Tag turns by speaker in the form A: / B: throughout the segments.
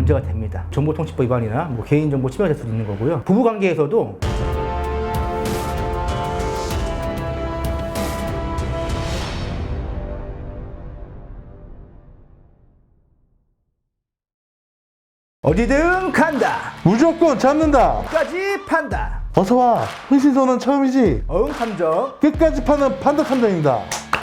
A: 문제가 됩니다. 정보통치법 위반이나 개인정보 침해가 될 수도 있는 거고요. 부부관계에서도 어디든 간다,
B: 무조건 잡는다.
A: 끝까지 판다.
B: 어서와. 흥신소는 처음이지.
A: 어흥탐정.
B: 끝까지 파는 판다 탐정입니다.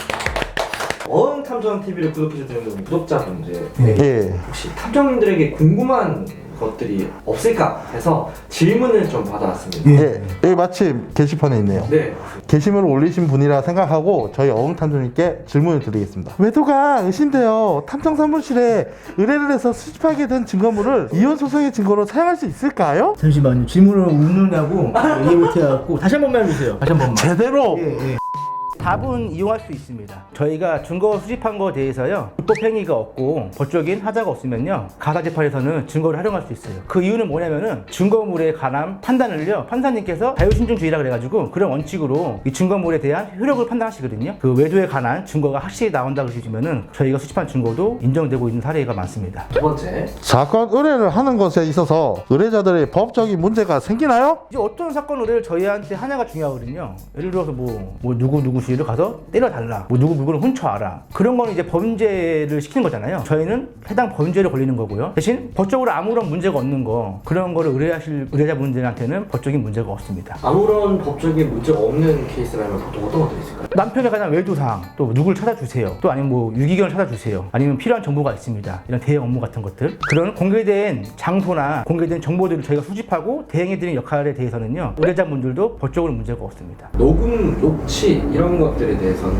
C: 어흥탐정TV를 구독해주시는 구독자분들
B: 예.
C: 혹시 탐정님들에게 궁금한 것들이 없을까 해서 질문을 좀 받아왔습니다.
B: 예. 여기 마침 게시판에 있네요.
C: 네.
B: 게시물을 올리신 분이라 생각하고 저희 어흥탐정님께 질문을 드리겠습니다. 외도가 의심되어 탐정 사무실에 의뢰를 해서 수집하게 된 증거물을 이혼 소송의 증거로 사용할 수 있을까요?
A: 잠시만요. 질문을 웃느냐고 이해 못해갖고 다시 한 번만 해주세요. 다시 한 번만.
B: 제대로.
A: 예. 답은 이용할 수 있습니다. 저희가 증거 수집한 거에 대해서요, 불법행위가 없고 법적인 하자가 없으면요, 가사재판에서는 증거를 활용할 수 있어요. 그 이유는 뭐냐면은 증거물에 관한 판단을요, 판사님께서 자유신중주의라 그래가지고 그런 원칙으로 이 증거물에 대한 효력을 판단하시거든요. 그 외도에 관한 증거가 확실히 나온다고 해주시면은 저희가 수집한 증거도 인정되고 있는 사례가 많습니다.
C: 두 번째.
B: 사건 의뢰를 하는 것에 있어서 의뢰자들의 법적인 문제가 생기나요?
A: 이제 어떤 사건 의뢰를 저희한테 하냐가 중요하거든요. 예를 들어서 누구 주위를 가서 때려달라, 누구 물건을 훔쳐와라, 그런 거는 이제 범죄를 시키는 거잖아요. 저희는 해당 범죄를 걸리는 거고요. 대신 법적으로 아무런 문제가 없는 거, 그런 거를 의뢰하실 의뢰자분들한테는 법적인 문제가 없습니다.
C: 아무런 법적인 문제가 없는 케이스라면 보통 어떤 것들이 있을까요?
A: 남편에 관한 외도사항, 또 누구를 찾아주세요, 또 아니면 유기견을 찾아주세요, 아니면 필요한 정보가 있습니다, 이런 대행 업무 같은 것들, 그런 공개된 장소나 공개된 정보들을 저희가 수집하고 대행해드리는 역할에 대해서는요, 의뢰자분들도 법적으로 문제가 없습니다.
C: 녹음, 녹취 이런 것들에 대해서는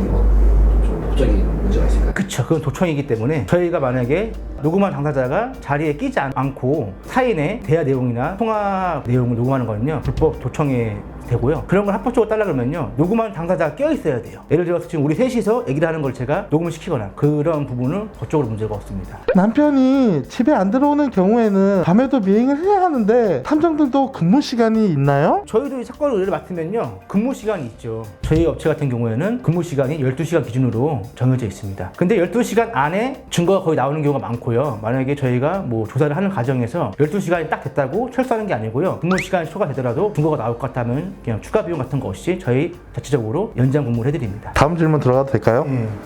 C: 좀 법적인 문제가 있을까요?
A: 그쵸, 그건 도청이기 때문에 저희가 만약에 녹음한 당사자가 자리에 끼지 않고 타인의 대화 내용이나 통화 내용을 녹음하는 거는요, 불법 도청에 되고요. 그런 걸 합법적으로 따라 그러면요, 녹음하는 당사자가 껴 있어야 돼요. 예를 들어서 지금 우리 셋이서 얘기를 하는 걸 제가 녹음을 시키거나 그런 부분은 법적으로 문제가 없습니다.
B: 남편이 집에 안 들어오는 경우에는 밤에도 미행을 해야 하는데 탐정들도 근무 시간이 있나요?
A: 저희도 이 사건 의뢰를 맡으면요, 근무 시간이 있죠. 저희 업체 같은 경우에는 근무 시간이 12시간 기준으로 정해져 있습니다. 근데 12시간 안에 증거가 거의 나오는 경우가 많고요. 만약에 저희가 조사를 하는 과정에서 12시간이 딱 됐다고 철수하는 게 아니고요, 근무 시간이 초과되더라도 증거가 나올 것 같다면 그냥 추가 비용 같은 거 없이 저희 자체적으로 연장 근무를 해드립니다.
B: 다음 질문 들어가도 될까요?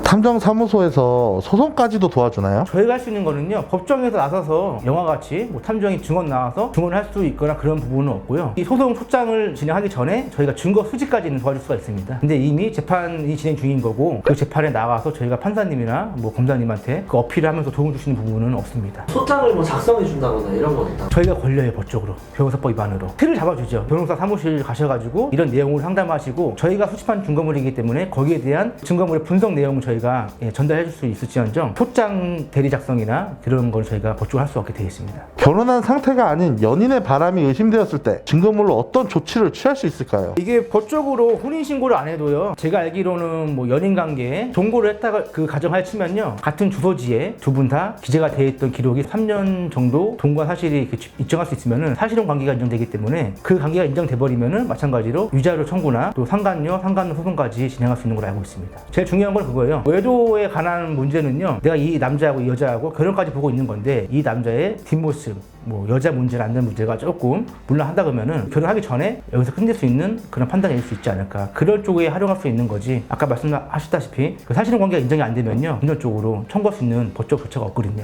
B: 탐정사무소에서 소송까지도 도와주나요?
A: 저희가 할 수 있는 거는요, 법정에서 나서서 영화같이 탐정이 증언 나와서 증언을 할 수 있거나 그런 부분은 없고요. 이 소송 소장을 진행하기 전에 저희가 증거 수집까지는 도와줄 수가 있습니다. 근데 이미 재판이 진행 중인 거고 그 재판에 나가서 저희가 판사님이나 검사님한테 그 어필을 하면서 도움을 주시는 부분은 없습니다.
C: 소장을 작성해 준다거나 이런 건 있다.
A: 저희가 걸려요, 법적으로. 변호사법 위반으로. 틀을 잡아주죠. 변호사 사무실 가셔가지고 이런 내용을 상담하시고 저희가 수집한 증거물이기 때문에 거기에 대한 증거물의 분석 내용을 저희가 전달해 줄 수 있을지언정 소장 대리 작성이나 그런 걸 저희가 법적으로 할 수 없게 되어 있습니다.
B: 결혼한 상태가 아닌 연인의 바람이 의심되었을 때 증거물로 어떤 조치를 취할 수 있을까요?
A: 이게 법적으로 혼인신고를 안 해도요, 제가 알기로는 연인관계에 동거를 했다가 그 가정하에 치면요, 같은 주소지에 두 분 다 기재가 되어 있던 기록이 3년 정도 동거 사실이 인정할 수 있으면은 사실혼 관계가 인정되기 때문에 그 관계가 인정돼 버리면은 마찬가지로 위자료 청구나 또 상간녀 소송까지 진행할 수 있는 걸로 알고 있습니다. 제일 중요한 건 그거예요. 외도에 관한 문제는요, 내가 이 남자하고 이 여자하고 결혼까지 보고 있는 건데 이 남자의 뒷모습, 여자 문제나 안 되는 문제가 조금 물러한다 그러면은 결혼하기 전에 여기서 끝낼 수 있는 그런 판단이 될 수 있지 않을까, 그럴 쪽에 활용할 수 있는 거지. 아까 말씀하셨다시피 그 사실혼 관계가 인정이 안 되면요, 금전 쪽으로 청구할 수 있는 법적 조처가 없거든요.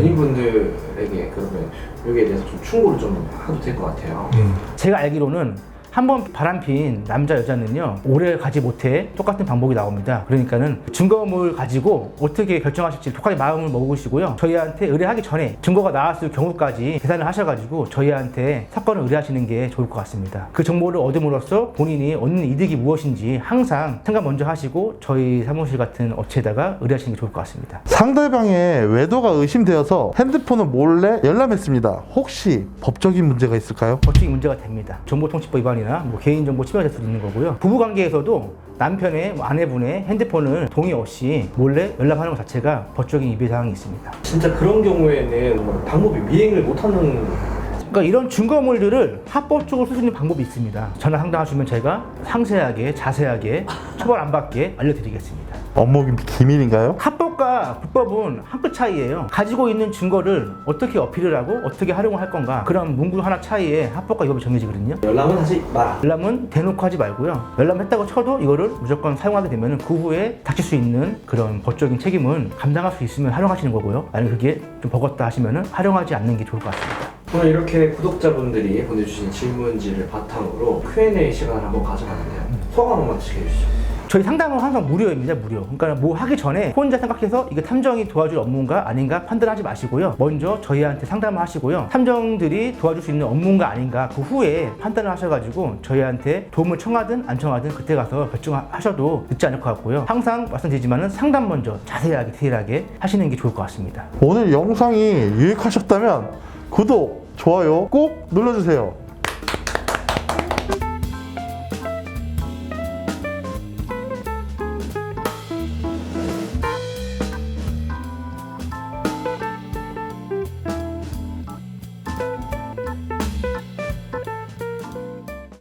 C: 연인분들에게 그러면 여기에 대해서 좀 충고를 좀 해도 될 것 같아요.
A: 제가 알기로는 한번 바람핀 남자 여자는요, 오래 가지 못해 똑같은 방법이 나옵니다. 그러니까는 증거물 가지고 어떻게 결정하실지 똑같이 마음을 먹으시고요, 저희한테 의뢰하기 전에 증거가 나왔을 경우까지 계산을 하셔가지고 저희한테 사건을 의뢰하시는 게 좋을 것 같습니다. 그 정보를 얻음으로써 본인이 얻는 이득이 무엇인지 항상 생각 먼저 하시고 저희 사무실 같은 업체에다가 의뢰하시는 게 좋을 것 같습니다.
B: 상대방의 외도가 의심되어서 핸드폰을 몰래 열람했습니다. 혹시 법적인 문제가 있을까요?
A: 법적인 문제가 됩니다. 정보통치법 위반이나 개인정보 침해가 될 수도 있는 거고요. 부부관계에서도 남편의 아내분의 핸드폰을 동의 없이 몰래 열람하는 것 자체가 법적인 위배사항이 있습니다.
C: 진짜 그런 경우에는 방법이 미행을 못하는.
A: 그러니까 이런 증거물들을 합법적으로 쓸 수 있는 방법이 있습니다. 전화 상담하시면 제가 상세하게 자세하게 처벌 안 받게 알려드리겠습니다.
B: 업무 기밀인가요?
A: 합법 합법과 불법은 한 끗 차이예요. 가지고 있는 증거를 어떻게 어필을 하고 어떻게 활용을 할 건가, 그런 문구 하나 차이에 합법과 위법이 정해지거든요.
C: 열람은 하지 마라.
A: 열람은 대놓고 하지 말고요. 열람했다고 쳐도 이거를 무조건 사용하게 되면 그 후에 닥칠 수 있는 그런 법적인 책임은 감당할 수 있으면 활용하시는 거고요. 만약 그게 좀 버겁다 하시면 활용하지 않는 게 좋을 것 같습니다.
C: 오늘 이렇게 구독자분들이 보내주신 질문지를 바탕으로 Q&A 시간을 한번 가져봤는데요. 소감 한번 어떻게 해주시죠?
A: 저희 상담은 항상 무료입니다. 무료. 그러니까 뭐 하기 전에 혼자 생각해서 이게 탐정이 도와줄 업무인가 아닌가 판단하지 마시고요. 먼저 저희한테 상담을 하시고요. 탐정들이 도와줄 수 있는 업무인가 아닌가 그 후에 판단을 하셔가지고 저희한테 도움을 청하든 안 청하든 그때 가서 결정하셔도 늦지 않을 것 같고요. 항상 말씀드리지만은 상담 먼저 자세하게 디테일하게 하시는 게 좋을 것 같습니다.
B: 오늘 영상이 유익하셨다면 구독, 좋아요 꼭 눌러주세요.